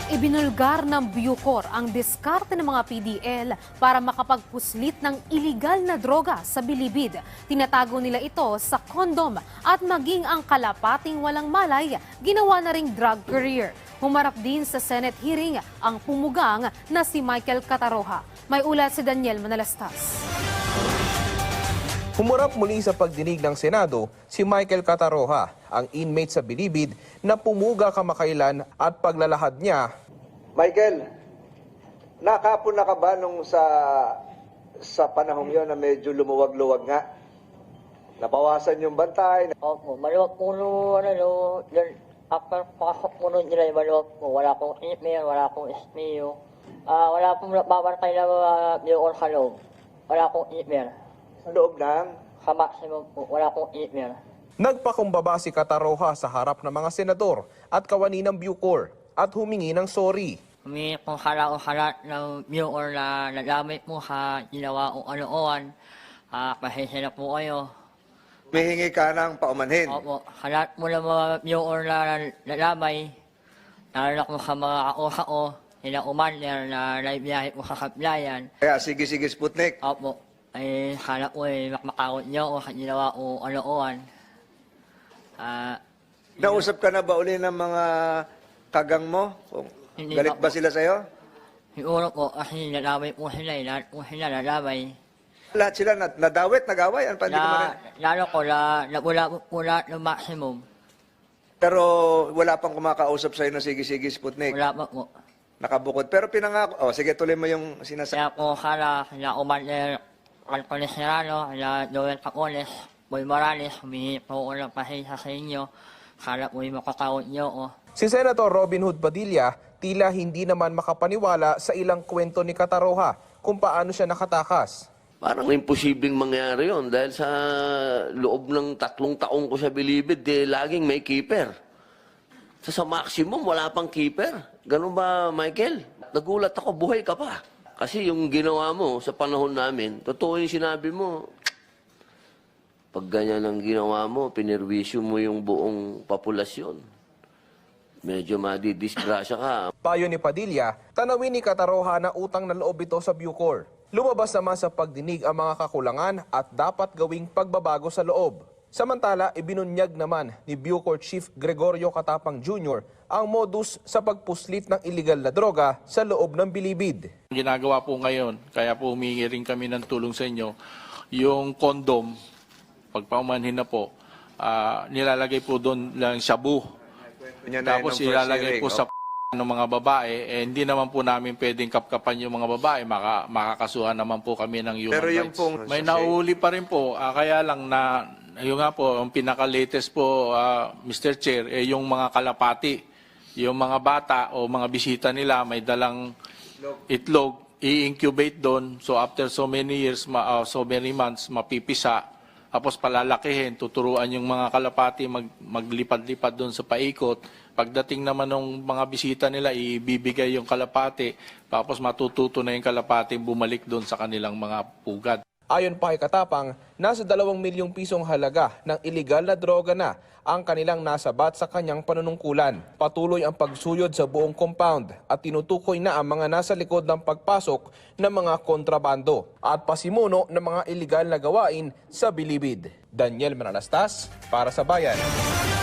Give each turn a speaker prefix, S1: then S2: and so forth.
S1: Ibinulgar ng Bucor ang diskarte ng mga PDL para makapagpuslit ng iligal na droga sa bilibid. Tinatago nila ito sa kondom at maging ang kalapating walang malay, ginawa na ring drug career. Humarap din sa Senate hearing ang pumugang na si Michael Cataroha. May ulat si Daniel Manalastas.
S2: Humarap muli sa pagdinig ng Senado si Michael Cataroha, ang inmate sa Bilibid na pumuga kamakailan at paglalahad niya.
S3: Michael, nakapon na ka ba nung sa panahong yon na medyo lumuwag-luwag nga? Nabawasan yung bantay?
S4: Opo, maluwag po no, after pasok po nun nila, maluwag po. Wala pong email, wala pong SPO. Wala pong babantay na Bucor sa loob. Wala pong email.
S3: Sa loob ng?
S4: Sa maximum po, wala pong email.
S2: Nagpakumbaba si Cataroha sa harap ng mga senador at kawani ng Bucor at humingi ng sorry.
S4: Humingi po sa lahat ng Bucor na nagamit po sa ginawa o ano-oan. Pasensya na po kayo.
S3: Humihingi ka ng paumanhin.
S4: Opo, sa lahat po ng mga Bucor na nalamay, lalo na po sa mga kausa ko, sila Umander na naibiyahe po sa Sablayan.
S3: Kaya sige Sputnik.
S4: Opo, ay sana po makmakawat niyo o sa ginawa o ano-oan.
S3: Nausap ka na ba uli ng mga kagang mo?
S4: Hindi
S3: Galit
S4: pa
S3: ba
S4: po.
S3: sila sa'yo?
S4: Siguro po kasi nalamay po sila, lahat po sila nalamay.
S3: Lahat sila nadawit, nagaway? Ano pa, hindi ko marin-
S4: Lalo ko, nabula po lahat ng maximum.
S3: Pero wala pang kumakausap sa'yo na sige Sputnik.
S4: Wala pa po.
S3: Nakabukod. Pero pinangako. Oh, sige, tuloy mo yung sinasabi.
S4: Kaya po sana, na Umander, Antones Serrano, na Joel Cacones, Boy Morales, humingi po ko ng pasensya sa inyo. Sana po yung makakawat niyo o.
S2: Si Senator Robin Hood Padilla tila hindi naman makapaniwala sa ilang kwento ni Cataroha kung paano siya nakatakas.
S5: Parang imposibleng mangyari yon dahil sa loob ng 3 taong ko sa Bilibid, laging may keeper. Sa maximum, wala pang keeper. Ganun ba, Michael? Nagulat ako, buhay ka pa. Kasi yung ginawa mo sa panahon namin, totoo yung sinabi mo. Pag ganyan ang ginawa mo, pinirwisyo mo yung buong populasyon. Medyo madidisgrasya ka.
S2: Payo ni Padilla, tanawin ni Cataroha na utang na loob ito sa Bucor. Lumabas naman sa pagdinig ang mga kakulangan at dapat gawing pagbabago sa loob. Samantala, ibinunyag naman ni Bucor Chief Gregorio Catapang Jr. ang modus sa pagpuslit ng iligal na droga sa loob ng Bilibid.
S6: Ginagawa po ngayon, kaya po humingi rin kami ng tulong sa inyo, yung kondom, pagpaumanhin na po, nilalagay po doon lang shabu. Tapos ilalagay po sa ng mga babae, hindi naman po namin pwedeng kapkapan yung mga babae, makakasuhan naman po kami ng human
S3: Pero yung
S6: rights.
S3: pong
S6: May nahuli pa rin po, kaya lang na, yung nga po, ang pinaka-latest po, Mr. Chair, yung mga kalapati, yung mga bata o mga bisita nila, may dalang itlog, i-incubate doon, so after so many years, so many months, mapipisa, tapos palalakihin, tuturuan yung mga kalapati maglipad-lipad doon sa paikot. Pagdating naman ng mga bisita nila, ibibigay yung kalapati, tapos matututo na yung kalapati bumalik doon sa kanilang mga pugad.
S2: Ayon pa kay Katapang, nasa 2 milyong pisong halaga ng iligal na droga na ang kanilang nasabat sa kanyang panunungkulan. Patuloy ang pagsuyod sa buong compound at tinutukoy na ang mga nasa likod ng pagpasok ng mga kontrabando at pasimuno ng mga iligal na gawain sa Bilibid. Daniel Manalastas para sa Bayan.